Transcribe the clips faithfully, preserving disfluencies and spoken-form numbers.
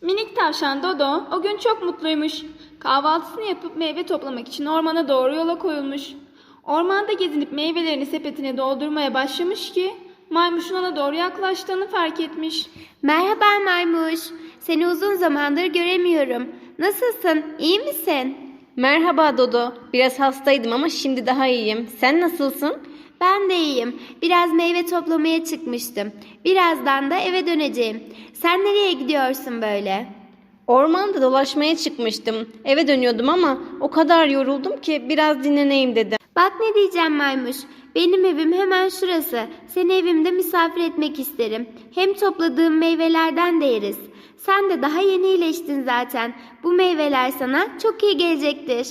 Minik tavşan Dodo o gün çok mutluymuş. Kahvaltısını yapıp meyve toplamak için ormana doğru yola koyulmuş. Ormanda gezinip meyvelerini sepetine doldurmaya başlamış ki maymuşun ona doğru yaklaştığını fark etmiş. Merhaba maymuş. Seni uzun zamandır göremiyorum. Nasılsın? İyi misin? Merhaba Dodo. Biraz hastaydım ama şimdi daha iyiyim. Sen nasılsın? Ben de iyiyim. Biraz meyve toplamaya çıkmıştım. Birazdan da eve döneceğim. Sen nereye gidiyorsun böyle? Ormanda dolaşmaya çıkmıştım. Eve dönüyordum ama o kadar yoruldum ki biraz dinleneyim dedim. Bak ne diyeceğim maymuş. Benim evim hemen şurası. Seni evimde misafir etmek isterim. Hem topladığım meyvelerden de yeriz. Sen de daha yeni iyileştin zaten. Bu meyveler sana çok iyi gelecektir.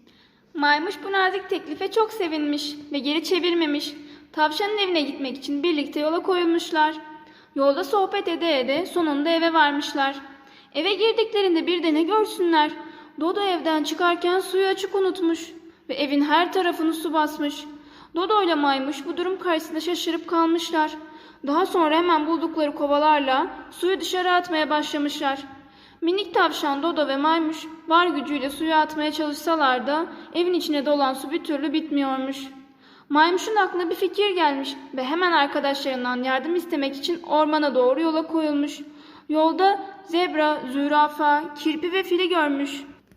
Maymuş bu nazik teklife çok sevinmiş ve geri çevirmemiş. Tavşanın evine gitmek için birlikte yola koyulmuşlar. Yolda sohbet ede ede sonunda eve varmışlar. Eve girdiklerinde bir de ne görsünler. Dodo evden çıkarken suyu açık unutmuş ve evin her tarafını su basmış. Dodo ile Maymuş bu durum karşısında şaşırıp kalmışlar. Daha sonra hemen buldukları kovalarla suyu dışarı atmaya başlamışlar. Minik tavşan Dodo ve Maymuş var gücüyle suyu atmaya çalışsalar da evin içine dolan su bir türlü bitmiyormuş. Maymuş'un aklına bir fikir gelmiş ve hemen arkadaşlarından yardım istemek için ormana doğru yola koyulmuş. Yolda zebra, zürafa, kirpi ve fili görmüş.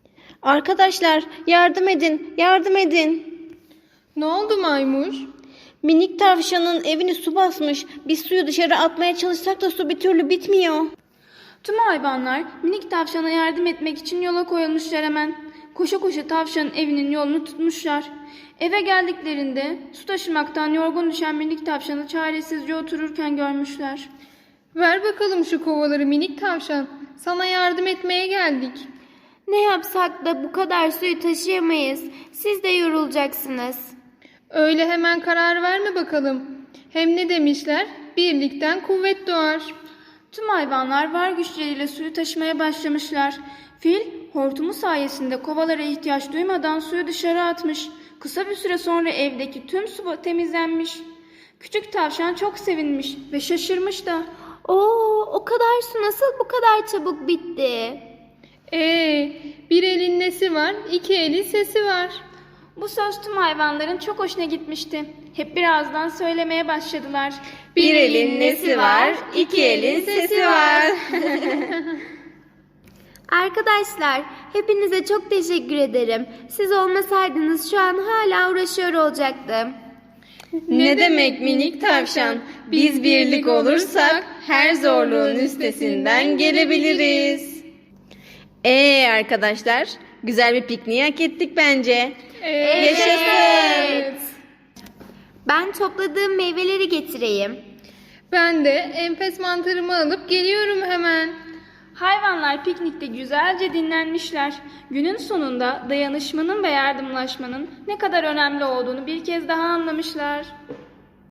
Arkadaşlar yardım edin, yardım edin. Ne oldu maymuş? Minik tavşanın evini su basmış. Biz suyu dışarı atmaya çalışsak da su bir türlü bitmiyor. Tüm hayvanlar minik tavşana yardım etmek için yola koyulmuşlar hemen. Koşa koşa tavşanın evinin yolunu tutmuşlar. Eve geldiklerinde su taşımaktan yorgun düşen minik tavşanı çaresizce otururken görmüşler. Ver bakalım şu kovaları minik tavşan. Sana yardım etmeye geldik. Ne yapsak da bu kadar suyu taşıyamayız. Siz de yorulacaksınız. Öyle hemen karar verme bakalım. Hem ne demişler? Birlikten kuvvet doğar. Tüm hayvanlar var güçleriyle suyu taşımaya başlamışlar. Fil hortumu sayesinde kovalara ihtiyaç duymadan suyu dışarı atmış. Kısa bir süre sonra evdeki tüm su temizlenmiş. Küçük tavşan çok sevinmiş ve şaşırmış da. Oo, o kadar su nasıl bu kadar çabuk bitti? Ee, bir elin nesi var, iki elin sesi var. Bu söz tüm hayvanların çok hoşuna gitmişti. Hep birazdan söylemeye başladılar. Bir elin nesi var, iki elin sesi var. Arkadaşlar, hepinize çok teşekkür ederim. Siz olmasaydınız şu an hala uğraşıyor olacaktım. Ne demek minik tavşan? Biz birlik olursak her zorluğun üstesinden gelebiliriz. Ee arkadaşlar, güzel bir pikniği hak ettik bence. Yaşasın. Ben topladığım meyveleri getireyim. Ben de enfes mantarımı alıp geliyorum hemen. Hayvanlar piknikte güzelce dinlenmişler. Günün sonunda dayanışmanın ve yardımlaşmanın ne kadar önemli olduğunu bir kez daha anlamışlar.